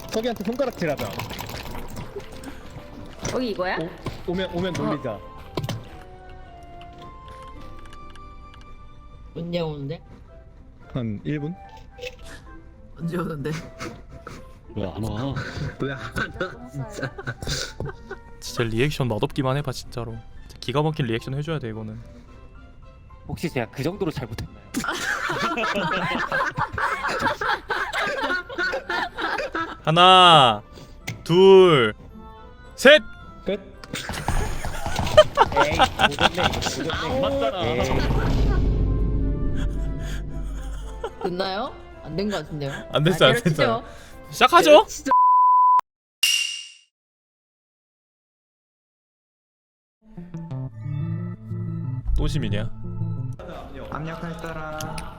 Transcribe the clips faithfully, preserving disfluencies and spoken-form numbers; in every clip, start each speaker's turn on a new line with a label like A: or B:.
A: 석이한테 손가락질하자.
B: 여기 이거야?
A: 오, 오면 오면 놀리자.
C: 언제 오는데?
A: 한 일 분?
C: 언제 오는데?
D: 왜 안 와?
C: 왜 안 와? 진짜.
E: 진짜 리액션 맛없기만 해봐 진짜로. 기가 막힌 리액션 해줘야 돼 이거는.
D: 혹시 제가 그 정도로 잘못했나요?
E: 하나, 둘, 셋.
A: 끝.
D: 에이 오졌네 오졌네 맞잖아.
C: 됐나요? 안 된 거 같은데요?
E: 안 됐어 안
B: 아,
E: 됐어.
B: 내려치죠.
E: 시작하죠.
B: 진짜
E: 또 시민이야.
F: 압력할 사람.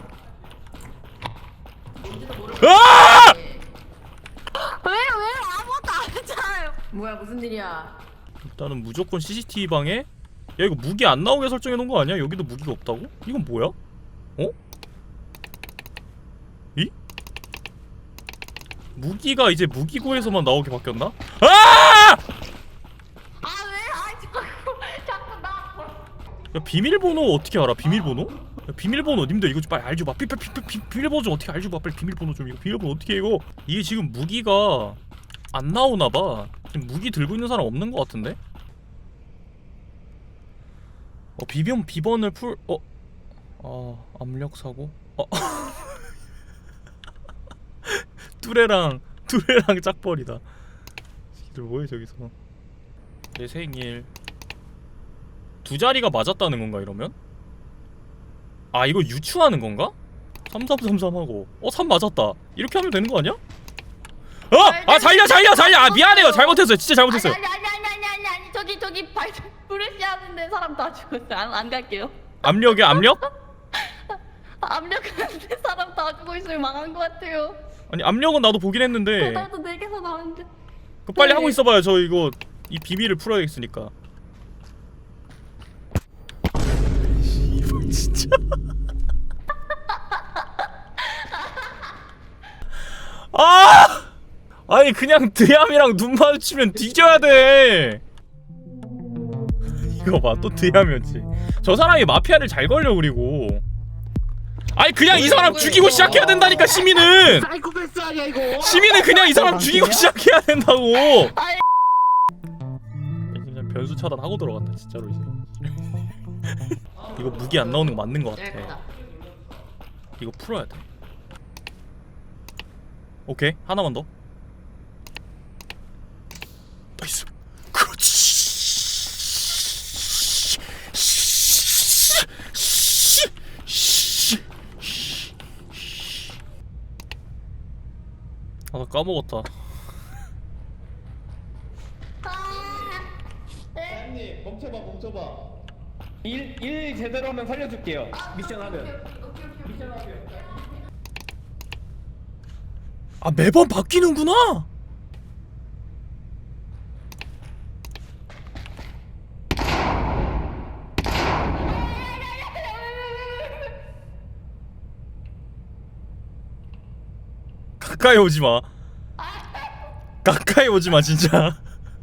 E: 아!
B: 왜 왜 아무것도 안 했잖아요. 뭐야 무슨 일이야?
E: 일단은 무조건 씨씨티비 방에. 야 이거 무기 안 나오게 설정해 놓은 거 아니야? 여기도 무기가 없다고? 이건 뭐야? 어? 이? 무기가 이제 무기고에서만 나오게 바뀌었나? 아!
B: 아 왜? 아 자꾸 자꾸 나.
E: 야 비밀번호 어떻게 알아? 비밀번호? 야 비밀번호 님들 이거 좀 빨리 알죠 마. 비, 비, 비, 비, 비밀번호 좀 어떻게 알죠 마. 빨리 비밀번호 좀. 이거 비밀번호 어떻게 해 이거? 이게 지금 무기가 안 나오나 봐. 지금 무기 들고 있는 사람 없는 거 같은데? 어 비변 비번을 풀 어? 아 압력 사고? 어? 뚜레랑 뚜레랑 짝벌이다. 이들 뭐해 저기서? 내 생일 두 자리가 맞았다는 건가 이러면? 아 이거 유추하는 건가? 삼삼삼삼 하고 어 삼 맞았다 이렇게 하면 되는 거 아니야? 어! 아 살려 살려 살려! 아 미안해요 잘못했어요 진짜 잘못했어요.
B: 아니 아니 아니 아니 아니 아니 저기 저기 발 브레시 하는데 사람 다 죽었어요. 안, 안 갈게요.
E: 압력이야 압력?
B: 압력하는데 사람 다 죽어 있으면 망한 것 같아요.
E: 아니 압력은 나도 보긴 했는데
B: 나도 네 개서 나왔는데.
E: 그 빨리
B: 네.
E: 하고 있어봐요. 저 이거 이 비밀을 풀어야겠으니까. 이거 진짜. 아! 아니 그냥 드얌이랑 눈 마주치면 뒤져야 돼. 이거 봐 또 드얌이었지. 저 사람이 마피아를 잘 걸려 그리고. 아니 그냥 이 사람 죽이고 시작해야 된다니까 시민은.
F: 사이코패스 아니야 이거.
E: 시민은 그냥 이 사람 죽이고 시작해야 된다고.
B: 아이.
E: 그냥 변수 차단하고 들어간다 진짜로 이제. 이거 무기 안 나오는 거 맞는 거 같아. 이거 풀어야 돼. 오케이 하나만 더. 나이스. 그렇지. 아, 나 까먹었다.
A: 사장님 멈춰봐 멈춰봐. 일, 일 제대로 하면 살려줄게요. 미션 하면. 미션 하면.
E: 아 매번 바뀌는구나. 가까이 오지 마. 가까이 오지 마 진짜.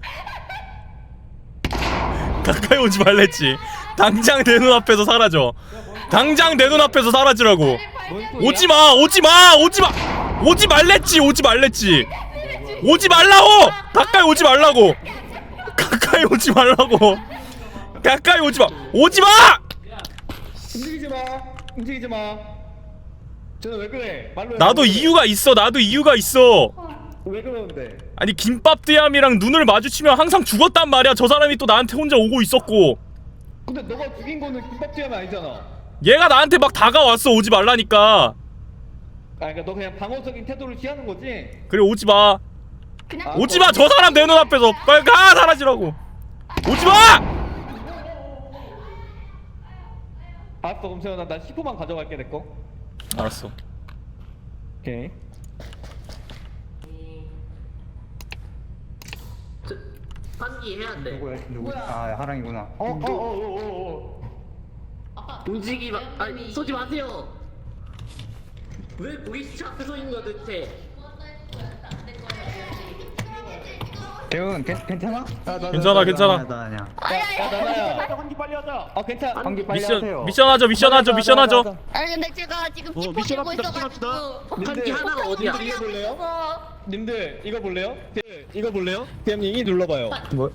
E: 가까이 오지 말랬지. 당장 내 눈앞에서 사라져. 당장 내 눈앞에서 사라지라고. 오지 마, 오지 마, 오지 마, 오지 말랬지, 오지 말랬지. 오지 말라고. 가까이 오지 말라고. 가까이 오지 말라고. 가까이 오지 마. 오지 마.
A: 움직이지 마. 움직이지 마. 저는 왜 그래? 말로 해.
E: 나도
A: 말로 해.
E: 이유가 있어. 나도 이유가 있어.
A: 왜 그러는데?
E: 아니 김밥 드얌이랑 눈을 마주치면 항상 죽었단 말이야. 저 사람이 또 나한테 혼자 오고 있었고.
A: 근데 너가 죽인 거는 김밥집이 아니잖아.
E: 얘가 나한테 막 다가왔어. 오지 말라니까.
A: 아 그러니까 너 그냥 방어적인 태도를 취하는 거지?
E: 그래 오지 마.
B: 그냥
E: 오지 마. 저 사람 내 눈앞에서 빨리 가 사라지라고. 오지 마.
A: 알았어 그럼 세연아 나 십 호만 가져갈게 내 거.
E: 알았어.
A: 오케이.
C: 환기 해야 돼.
F: 누구야? 누구? 아 하랑이구나.
A: 어어어어어.
B: 아빠
C: 움직이 마. 아니 쏘지 마세요. 왜 우리 시차 앞에 서 있는 거야 대체?
B: 안될 거예요.
F: 대훈 괜- 괜찮아? 나, 나,
E: 괜찮아,
F: 나,
E: 괜찮아.
F: 나, 나 아니야.
A: 야 나나야 환기 빨리 하자 아 괜찮아
F: 환기 빨리
E: 미션
F: 하세요.
E: 미션 하죠 미션 하죠 미션 하죠.
B: 아니 근데 제가 지금
D: 어,
B: 찍고
D: 미션
B: 들고
D: 합시다,
B: 있어가지고
C: 한기 하나가 어디야?
A: 님들 이거 볼래요?
B: 그래서
A: 님들 이거 볼래요? 네, 이거 볼래요? 대함님 이 눌러봐요
F: 뭐?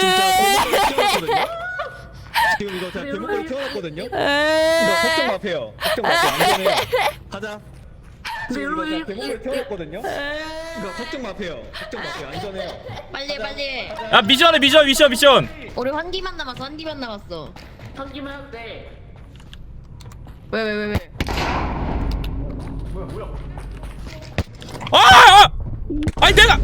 A: 지금 이거 제가 대목걸이 켜놨거든요 이거 걱정 마세요 걱정 마세요 안전해요 가자 지금 이거 제가 대목걸이 켜놨거든요 이거 걱정 마세요 걱정 마세요 안전해요
B: 빨리 빨리.
E: 야 미션해 미션 미션 미션.
B: 우리 환기만 남았어. 환기만 남았어.
C: 한기만 해도 돼.
B: 왜 왜 왜 왜?
E: 아! 아! 아니 내가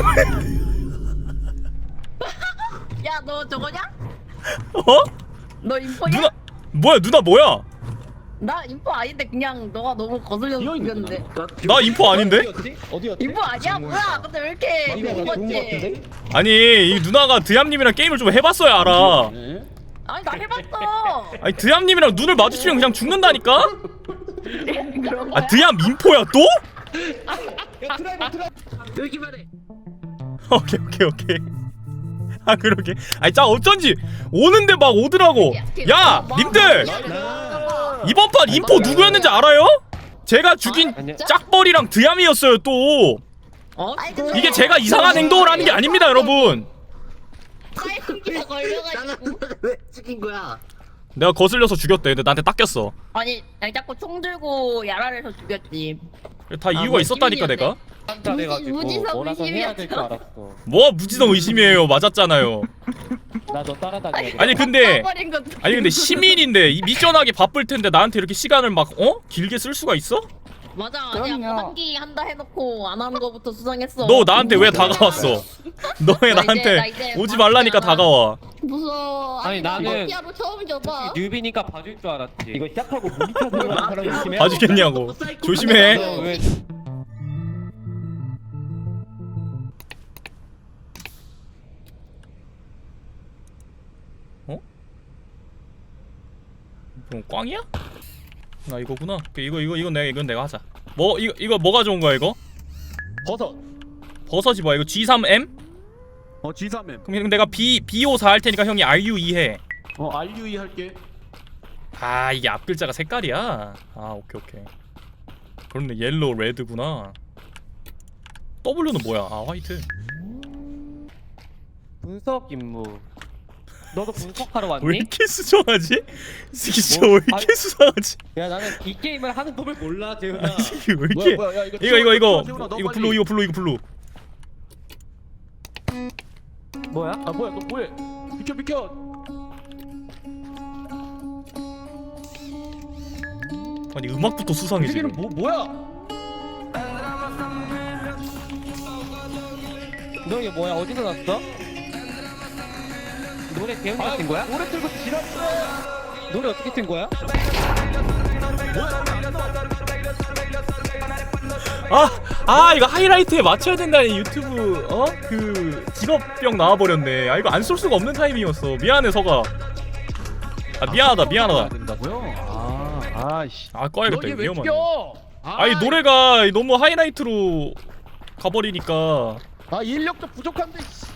B: 야 너 저거냐?
E: 어?
B: 너 인포냐?
E: 누나 뭐야 누나 뭐야?
B: 나 인포 아닌데 그냥 너가 너무 거슬려서 죽였는데.
E: 나 인포 아닌데?
A: 어디였지? 어디였지?
B: 인포 아니야? 뭐야? 근데 왜 이렇게
A: 이거
B: 좋은
A: 좋은 거
B: 거지?
A: 같은데?
E: 아니 이 누나가 드얌님이랑 게임을 좀 해봤어야 알아.
B: 아니 나 해봤어.
E: 아니 드얌님이랑 눈을 마주치면 그냥 죽는다니까?
B: 그런 거야?
E: 아 드얌 인포야 또?
A: 야 드라이브 드라이브
C: 여기만 해.
E: 오케이 오케이 오케이. 아 그러게. 아니 짜 어쩐지 오는데 막 오더라고. 야 님들 이번 판 인포 누구였는지 알아요? 제가 죽인
D: 아니야.
E: 짝벌이랑 드얌이었어요 또.
C: 어?
B: 아니, 근데
E: 이게 제가 이상한 행동을 하는 게 아닙니다 여러분.
B: 사이키가 걸려가지고.
C: 왜 죽인 거야?
E: 내가 거슬려서 죽였대. 근데 나한테 닦였어.
B: 아니 아니 자꾸 총 들고 야랄해서 죽였지.
E: 다 이유가
B: 뭐
E: 있었다니까
B: 시민이었네.
E: 내가.
D: 한다 돼가지고
B: 무지성
D: 뭐라서 해야 될 줄
B: 의심이었어.
D: 알았어.
E: 뭐 무지성 의심이에요. 맞았잖아요.
D: 나 너 따라다녀야 돼.
E: 아니 근데
B: 까버린 것도
E: 아니 근데 시민인데 이 미션하기 바쁠 텐데 나한테 이렇게 시간을 막 어? 길게 쓸 수가 있어?
B: 맞아. 아니야 뭐 환기 한다 해놓고 안 하는 거부터 수상했어.
E: 너 나한테 왜 다가왔어? 너 왜
B: 나 이제-
E: 나한테
B: 나 이제
E: 오지 말라니까
B: 바뀌잖아.
E: 다가와.
B: 무서워.
D: 아니,
B: 아니 나
D: 나는
B: 마피아로 처음 접어.
D: 뉴비니까 봐줄 줄 알았지.
A: 이거 시작하고 무기 타는 사람 조심해
E: 봐주겠냐고. 조심해.
D: 너 왜?
E: 뭐 꽝이야? 나 이거구나. 이거 이거 이건 내가 이건 내가 하자. 뭐 이거 이거 뭐가 좋은 거야 이거?
A: 버섯
E: 버섯이 뭐야 이거 지 삼 엠?
G: 어 지 삼 엠
E: 그럼 내가 B 비오사 할 테니까 형이 알 유 이 해.
G: 어 알 유 이 할게.
E: 아 이게 앞 글자가 색깔이야. 아 오케이 오케이. 그렇네 옐로우 레드구나. W는 뭐야? 아 화이트.
D: 분석 임무. 너도 분석하러
E: 왜
D: 왔니?
E: 이렇게 수정하지? 이 새끼 진짜
D: 뭐?
E: 왜 이렇게
D: 아니-
E: 수상하지?
D: 야 나는 이 게임을 하는 법을 몰라 재훈아.
E: 이 새끼 왜 이렇게?
G: 뭐야, 뭐야, 야, 이거
E: 이거 이거 이거
G: 세훈아, 너
E: 이거
G: 빨리.
E: 블루 이거 블루 이거 블루.
D: 뭐야?
G: 아 뭐야 너 뭐해? 비켜 비켜.
E: 아니 음악부터 수상해
G: 이
E: 지금.
G: 새끼는 뭐 뭐야?
D: 너 이게 뭐야? 어디서 났어? 노래 재훈이가 튼 거야?
A: 노래 틀고 지났어
D: 노래 어떻게 튼 거야?
E: 아, 아 이거 하이라이트에 맞춰야 된다니 유튜브 어? 그 직업병 나와버렸네. 아 이거 안 쏠 수가 없는 타이밍이었어. 미안해 서가. 아 미안하다 미안하다.
G: 된다고요? 아 아씨.
E: 아 꺼야겠다
G: 너
E: 이거
G: 이게 왜
E: 위험하네.
G: 껴?
E: 아니 노래가 너무 하이라이트로 가버리니까
G: 아 인력도 부족한데. 씨.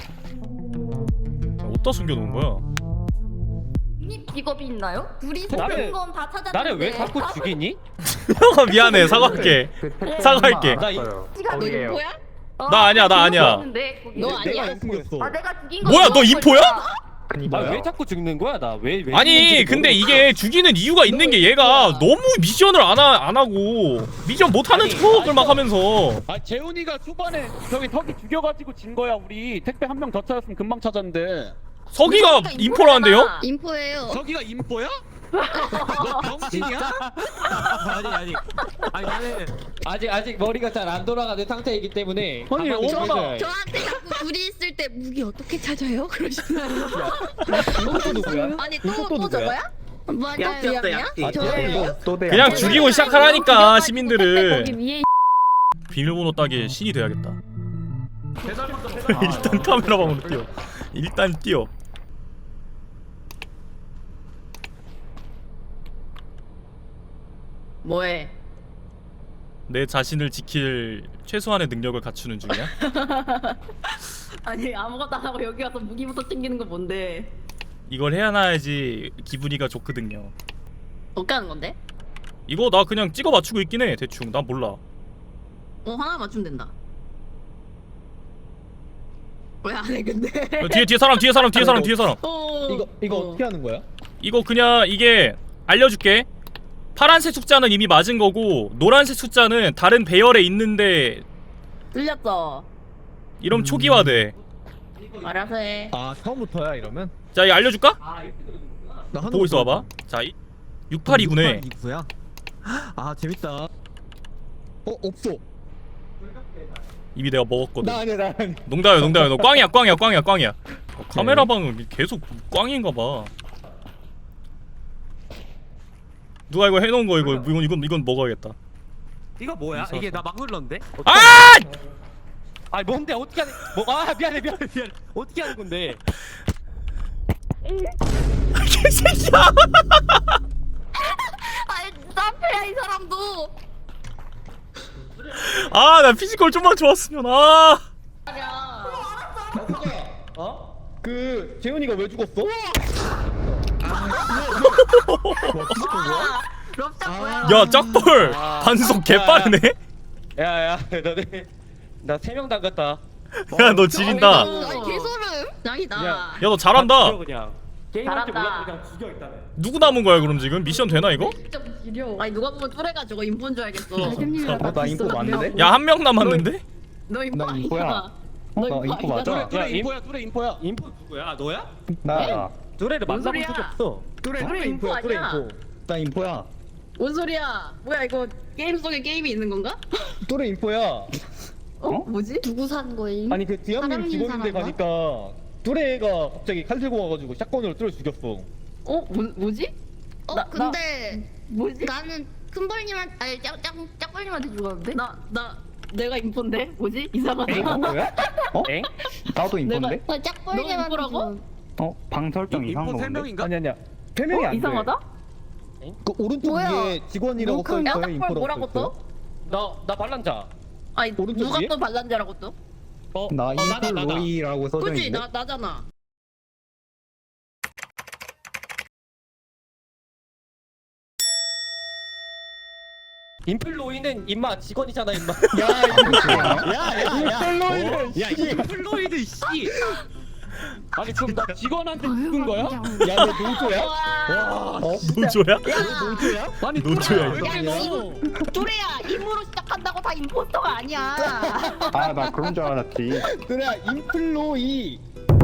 E: 어디다 숨겨놓은 거야?
B: 님 직업이 있나요? 둘이
D: 나를-
B: 다른 건 다 찾았는데.
D: 나를 왜 자꾸 죽이니?
E: 형아 미안해 사과할게. 사과할게.
D: 나 이-
B: 지가 너 인포야?
E: 나 아니야, 나 아니야.
B: 너
A: 내가
B: 아니야?
A: 안 숨겼어
B: 아 내가 죽인 거.
E: 뭐야, 너
B: 너가
E: 인포야?
B: 거야.
D: 아 왜 자꾸 죽는 거야 나? 왜 왜?
E: 아니
D: 죽는지를
E: 근데
D: 모르겠어.
E: 이게 죽이는 이유가 있는 게 얘가 너무 미션을 안, 하, 안 하고 미션 못하는
D: 아니,
E: 척을 막 하면서
G: 아 재훈이가 초반에 저기 턱이 죽여가지고 진 거야 우리. 택배 한 명 더 찾았으면 금방 찾았는데.
E: 서기가 인포라는데요?
B: 인포예요.
G: 저기가 인포야? 너 병신이야?
D: 아니 아니 아니 나는 아직 아직 머리가 잘 안 돌아가는 상태이기 때문에
G: 아니,
D: 가만히
G: 오바마.
D: 있어야 해.
B: 저한테 자꾸 둘이 있을 때 무기 어떻게 찾아요? 그러시면.
A: 이것도 누구야?
B: 아니
A: 이것도
B: 또또
A: 누구야?
B: 저거야? 맞아요.
C: 약지였다,
B: 미안해요.
C: 약지.
B: 저예요.
F: 또대
E: 그냥 죽이고 시작하라니까 시민들을.
B: 거기 위에
E: 비밀번호 따기에 신이 돼야겠다.
G: 대단했어 대단.
E: 일단 카메라 방으로 뛰어. 일단 뛰어.
B: 뭐해?
E: 내 자신을 지킬 최소한의 능력을 갖추는 중이야.
B: 아니 아무것도 안 하고 여기 와서 무기부터 챙기는 거 뭔데?
E: 이걸 해야지 기분이가 좋거든요.
B: 어떻게 하는 건데?
E: 이거 나 그냥 찍어 맞추고 있긴 해 대충. 난 몰라.
B: 어 하나 맞추면 된다. 왜 안 해 근데?
E: 야, 뒤에 뒤에 사람 뒤에 사람 뒤에 사람 뒤에 사람.
B: 어,
A: 이거 이거
B: 어.
A: 어떻게 하는 거야?
E: 이거 그냥 이게 알려줄게. 파란색 숫자는 이미 맞은 거고 노란색 숫자는 다른 배열에 있는데
B: 들렸어.
E: 이러면 초기화돼.
B: 알아서 해.
A: 아 처음부터야 이러면?
E: 자 이거 알려줄까?
A: 나 하는
E: 보고 있어 봐봐. 자 이, 육팔이구네.
A: 육팔이구야. 아 재밌다. 어 없어.
E: 이미 내가 먹었거든.
A: 나 아니야 나 아니야.
E: 농담이야 농담이야. 너 꽝이야 꽝이야 꽝이야 꽝이야. 어, 카메라 방은 계속 꽝인가 봐. 누가 이거 해놓은 거 이거 이건 이건 이건 먹어야겠다.
D: 이거 뭐야? 이게 나 막 눌렀는데?
E: 아!
D: 아니 뭔데 어떻게 하는? 뭐아 미안해 미안해 미안해. 어떻게 하는 건데?
E: 개새끼야!
B: 아이 나패야 이 사람도.
E: 아 나 피지컬 좀만 좋았으면 아.
A: 어? 그 재훈이가 왜 죽었어?
B: 럽작 뭐야?
E: 야 짝벌
D: 아.
E: 반속 개빠르네.
D: 야야 너네 나 세 명 담갔다.
E: 야 너 지린다.
B: 아니 개소름. 짱이다.
D: 야.
E: 야 너 잘한다.
D: 죽여 그냥. 게임할 줄
B: 잘한다.
D: 몰라 그냥 죽여 일단은.
E: 누구 남은 거야 그럼 지금 미션 되나 이거?
B: 진짜 지려. 아니 누가 보면 뚜레가 저거 인포인 줄 알겠어.
F: 어, 나 인포 맞는데?
E: 야 한 명 남았는데?
B: 너 인포
F: 나
B: 아니야?
F: 인포야.
B: 너
F: 나
B: 인포
F: 인포 맞아.
B: 아니잖아.
D: 뚜레 인포야 뚜레 인포야. 인포 누구야? 아, 너야?
F: 나,
D: 뚜레를
B: 뭔
D: 만나본
B: 소리야?
D: 적이 없어.
A: 뚜레
B: 뚜레
A: 뚜레
B: 인포
A: 인포야 뚜레
B: 아니야?
A: 인포.
F: 나 인포야.
B: 뭔 소리야? 뭐야 이거 게임 속에 게임이 있는 건가?
A: 뚜레 인포야.
B: 어? 뭐지?
H: 누구 산 거임?
A: 아니 그 디아님
H: 사람
A: 직원인데
H: 인사한
A: 가니까 뚜레가 갑자기 칼 들고 와가지고 샷건으로 뚜레 죽였어.
B: 어? 뭐, 뭐지?
H: 어
B: 나-
H: 근데
B: 뭐지?
H: 나는 큰벌님한테 아니 짝짝 짝벌님한테 죽었는데?
B: 나, 나, 내가 인포인데? 뭐지? 이상하다.
F: 뭐야? 어?
D: 엥?
F: 나도 인포인데?
H: 어
B: 너
H: 짝벌님한테
B: 인포라고?
H: 죽었는데.
F: 어? 방 설정 이상한
D: 인포
F: 거
D: 세
F: 뭔데?
D: 명인가?
A: 아니 아니야. 세 명이
B: 어?
A: 안 돼.
B: 이상하다?
A: 그 오른쪽
H: 뭐야?
A: 위에 직원이라고
H: 너
A: 써
H: 그
A: 있어요.
B: 짝벌
A: 인포라고
B: 뭐라고
A: 써 있어요.
B: 또?
D: 나나 반란자.
B: 아니
A: 오른쪽
B: 누가
A: 위에?
B: 또 반란자라고 또?
D: 어?
F: 나
D: 어, 나다,
F: 인포
D: 나다.
F: 로이라고 써져
B: 그치?
F: 있는데?
B: 나, 나잖아.
D: 인플로이는 임마 직원이잖아 임마.
A: 야 이거 야야야. 야 이.
D: 인플로이드 씨. 아니 그럼 나 직원한테 죽은 거야?
A: 야너 노조야?
B: 와.
A: 어?
E: 노조야?
A: 너 노조야?
D: 아니
E: 노조야,
D: 왜
E: 이거.
B: 야, 너 뚜레야, 임무로 시작한다고 다 임포스터가 아니야.
F: 아, 나 그런 줄 알았지.
A: 뚜레야 인플로이.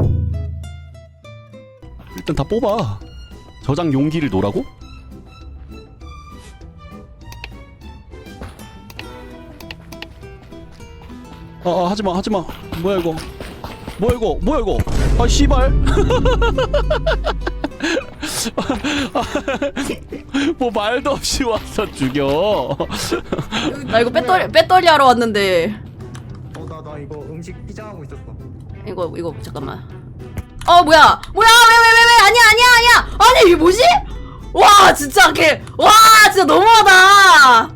I: 일단 다 뽑아. 저장 용기를 놓으라고? 아, 아 하지마 하지마. 뭐야 이거? 뭐야 이거? 뭐야 이거? 아 씨발. 뭐 말도 없이 와서 죽여.
J: 나 이거 배터리 배터리 하러 왔는데
F: 어, 나, 나 이거 음식 피자하고 있었어.
J: 이거 이거 잠깐만. 어 뭐야 뭐야 왜 왜 왜 왜 아니야 아니야 아니야 아니 이게 뭐지? 와 진짜 걔와 진짜 너무하다.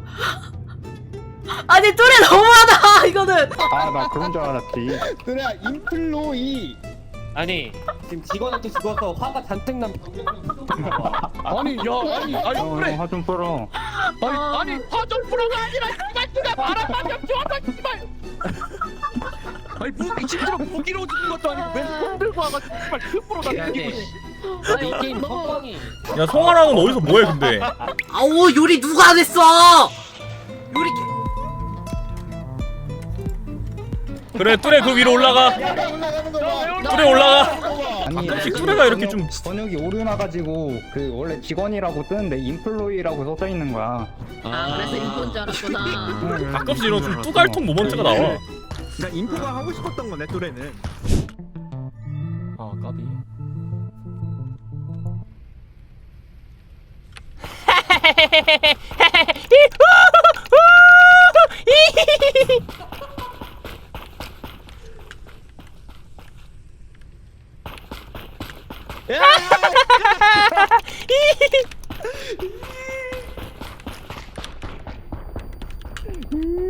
J: 아니 뚜레 너무하다 이거는.
F: 아, 나 그런 줄 알았지.
A: 뚜레야 인플로이.
D: 아니 지금 직원한테 죽어서 화가 잔뜩 난
G: 아니 야 아니 아니
F: 어,
G: 그래.
F: 화 좀 풀어.
G: 아니 아니 화좀 풀어가 아니라 씨발 누가 바람만 좀 쥐어서 씨발. 아니 무기 심지어 무기로 죽은 것도 아니고 왼손 들고 와가지고 씨발 습으로 다 죽이고 씨.
D: 아니 이 게임 성광이
E: 야 성화랑은 어디서 뭐해 근데?
J: 아우 요리 누가 안 했어? 요리
E: 그래 뚜레 그 위로 올라가.
A: 올라가는 거 봐.
E: 뚜레 올라가.
F: 아니,
E: 가끔씩 뚜레가 이렇게 좀
F: 번역이 오류나가지고 그 원래 직원이라고 뜨는데 인플로이라고 써져 있는 거야.
B: 아, 그래서 인포인 줄 알았구나.
E: 가끔씩 이런 좀 뚜갈통 모먼트가 나와.
A: 그러니까 인포가 하고 싶었던 거네 뚜레는.
E: 아 까비.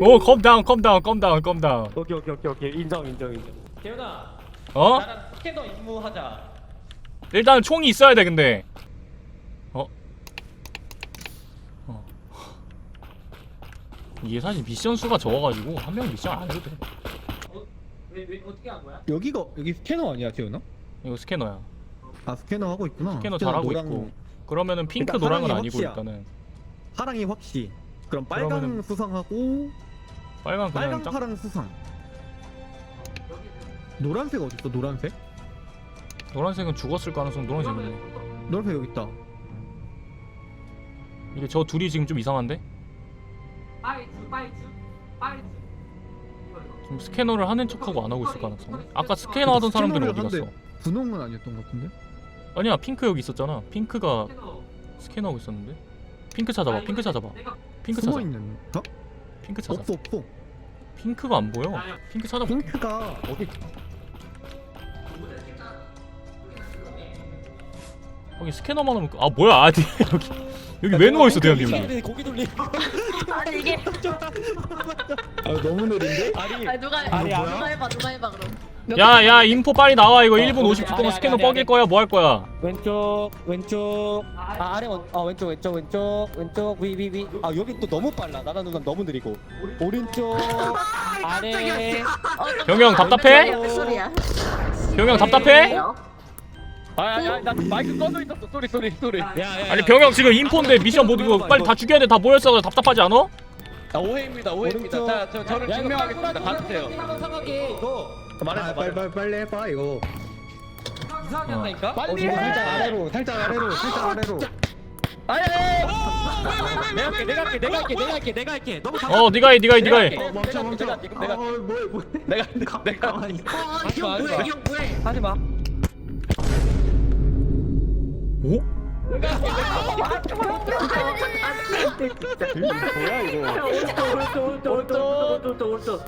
E: 오 컴다운 컴다운 컴다운 컴다운.
D: 오케이 오케이 오케이 오케이 인정 인정 인정. 개훈아
E: 어?
D: 나랑 스캐너 임무하자.
E: 일단 총이 있어야 돼 근데. 어? 어. 이게 사실 미션 수가 적어가지고 한 명 미션 안 해도 돼.
D: 왜, 왜 어떻게 한 거야?
A: 여기가 여기 스캐너 아니야 재훈아?
E: 이거 스캐너야.
A: 아 스캐너 하고 있구나.
E: 스캐너 잘하고
A: 노랑-
E: 있고. 그러면은 핑크
A: 일단
E: 노랑은
A: 사랑이
E: 아니고
A: 확시야.
E: 일단은
A: 파랑이 확시. 그럼 빨강
E: 그러면은-
A: 수상하고
E: 빨간 그냥
A: 빨강
E: 짝.
A: 파랑 수상. 노란색 어디 있어? 노란색?
E: 노란색은 죽었을 가능성 노란색이네.
A: 노란색 여기 있다.
E: 이게 저 둘이 지금 좀 이상한데?
C: 파이츠 파이츠 파이츠.
E: 지금 스캐너를 하는 척하고 안 하고 있을 가능성. 아까 스캐너 하던 사람들은 어디 갔어?
A: 분홍은 아니었던 것 같은데?
E: 아니야 핑크 여기 있었잖아. 핑크가 스캐너하고 있었는데. 핑크 찾아봐. 핑크 찾아봐. 핑크
A: 숨어
E: 찾아.
A: 있는. 어?
E: 핑크 찾아.
A: 없어 없어.
E: 핑크가 안 보여. 핑크 찾아봐.
A: 핑크가 어디?
E: 거기 스캐너만 하면 아 뭐야? 아니 여기 여기 왜 누워 있어 대현이 여기?
D: 고기 돌리.
B: 아니 이게
A: 아 너무 느린데?
D: 아니
B: 아니 누가
D: 아니,
B: 누가
D: 아니.
B: 해봐 누가 해봐 그럼.
E: 야야 인포 빨리 나와 이거 일 분
D: 어,
E: 오십 초
D: 아니,
E: 동안
D: 아니,
E: 스캐너
D: 아니,
E: 뻐길
D: 아니.
E: 거야 뭐 할 거야?
D: 왼쪽 왼쪽 아 아래 원, 어 왼쪽 왼쪽 왼쪽 왼쪽 위 위 위. 아 여기 또 너무 빨라. 나라 누나 너무 느리고. 오른쪽 아래.
E: 병영 답답해?
B: 무슨 소리야?
E: 병영 답답해?
G: 아야야 나 마이크 꺼져 있었어. 쏘리 쏘리 쏘리.
D: 야야.
E: 아니 병영 지금 인포인데 미션 못 이거 빨리 다 죽여야 돼. 다 모였어. 답답하지 않아?
G: 아, 오해입니다 오해입니다.
D: 오른쪽.
G: 자 저, 저를 증명하겠습니다. 가주세요.
D: 이상하게 이거
A: 아, 빨리 빨리 빨리 해봐 이거.
D: 이상하게
E: 어.
D: 한다니까.
G: 빨리
A: 어,
G: 해.
A: 살짝 아래로, 살짝 아래로, 살짝 아래로.
G: 아예.
D: 내가 할게 내가 할게 내가 할게 내가 할게 내가 할게. 너무 다.
E: 어 네가 해 네가 해 네가 해.
G: 어, 멈춰 멈춰. 내가 내가 내가
A: 어, 뭐해 뭐해.
G: 내가 내가
C: 어,
D: 하지
C: 형
D: 마, 하지
C: 뭐해?
D: 마.
C: 형 뭐해?
D: 하지 마.
E: 오?
A: 뭐야 이거?
C: 오른쪽 오른쪽 오른쪽 오른쪽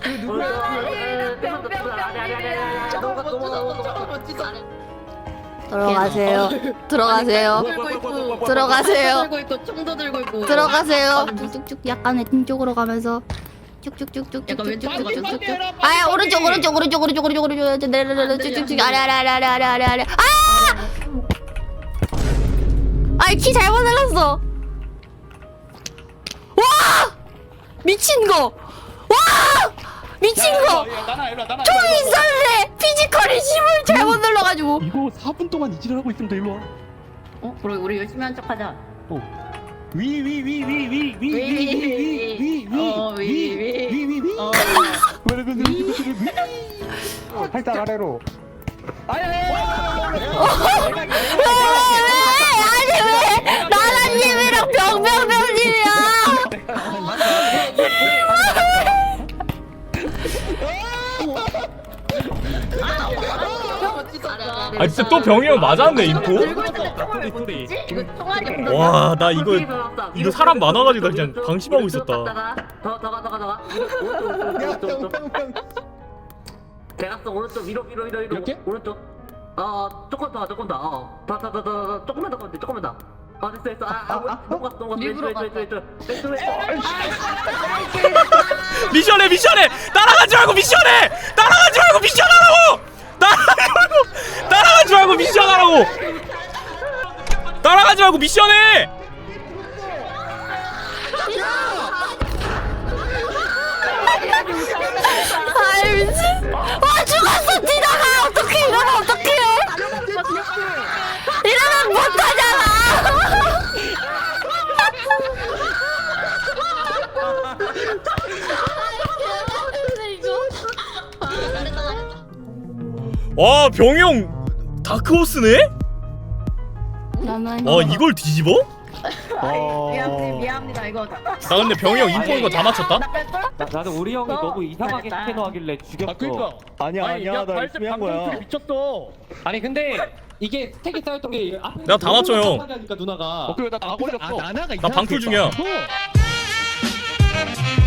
J: 들어가세요. 들어가세요.
B: 들고 있고
J: 들어가세요.
B: 들고 있고 총도 들고 있고.
J: 들어가세요. 쭉쭉쭉 약간 왼쪽으로 가면서 쭉쭉쭉쭉
B: 약간 왼쪽으로
J: 쭉쭉쭉쭉.
B: 가면서.
J: 아 오른쪽 오른쪽 오른쪽 오른쪽 오른쪽 오른쪽 내려내려 쭉쭉쭉 아래 아래 아래 아래 아래 아래 아래 아! 아이 키 잘못 눌렀어. 와! 미친 거. 와! 미친 거.
G: 나나 일로 와 나나.
J: 총이 있었네. 피지컬이 힘을 잘못 눌러가지고.
I: 이거 사 분 동안 이질을 하고 있으면 돼 일로 와.
B: 어 그럼 우리 열심히 한 척하자.
I: 위 위 위 위 위 위 위
B: 어, 위, 위.
I: 위위위위위위위위
B: 어.
F: 살짝 아래로.
J: 왜? 아니 왜? 나나님이랑 병병병님이야.
E: 아 진짜 또 병이 형 맞았네 인포.
B: 들고 있는데 총알 못 쏘지? 이거 총알이 없나?
E: 와 나 이거 이거 사람 많아가지고 나 그냥 방심하고 있었다.
C: 더더가더가더가 오른쪽 오른쪽 오른쪽 대각선 오른쪽 위로 위로 위로 위로
D: 이렇게?
C: 오른쪽 어 조금 더 조금 더어더더더 조금만 더 건데 조금만 더 어 됐어 됐어 아아 넘어갔어 넘어갔어
B: 일부러
C: 왼쪽 왼쪽 왼쪽 왼쪽
E: 미션해 미션해 따라가지 말고 미션해 따라가지 말고 미션하라고 따라가지 말고 따라가지 말고 미션하라고 따라가지 말고 미션해.
J: 아이 미친. 와 죽었어 디나가. 어떡해 이러면 어떡해. 이러면 못하잖아.
E: 와 병이 형 다크호스네? 와 이걸 뒤집어?
B: 미안합니다 미안합니다 이거.
E: 나 근데 병이 형 인포인 거 다 맞췄다?
B: 나 뺐어?
D: 나, 나도 우리 형이
B: 어,
D: 너무 이상하게
B: 잘했다.
D: 스캐너하길래 죽였어.
G: 아 그니까.
A: 아니야
G: 아니,
A: 아니야
G: 야,
A: 나
G: 발색
A: 열심히 한 거야.
G: 방금 미쳤어.
D: 아니 근데 이게 스택이 쌓였던 게 앞에
E: 내가 다 맞춰, 형.
D: 하니까 누나가
G: 어 그래 나다 걸렸어.
A: 아 나나가
E: 나 방풀 중이야.
A: 이상하게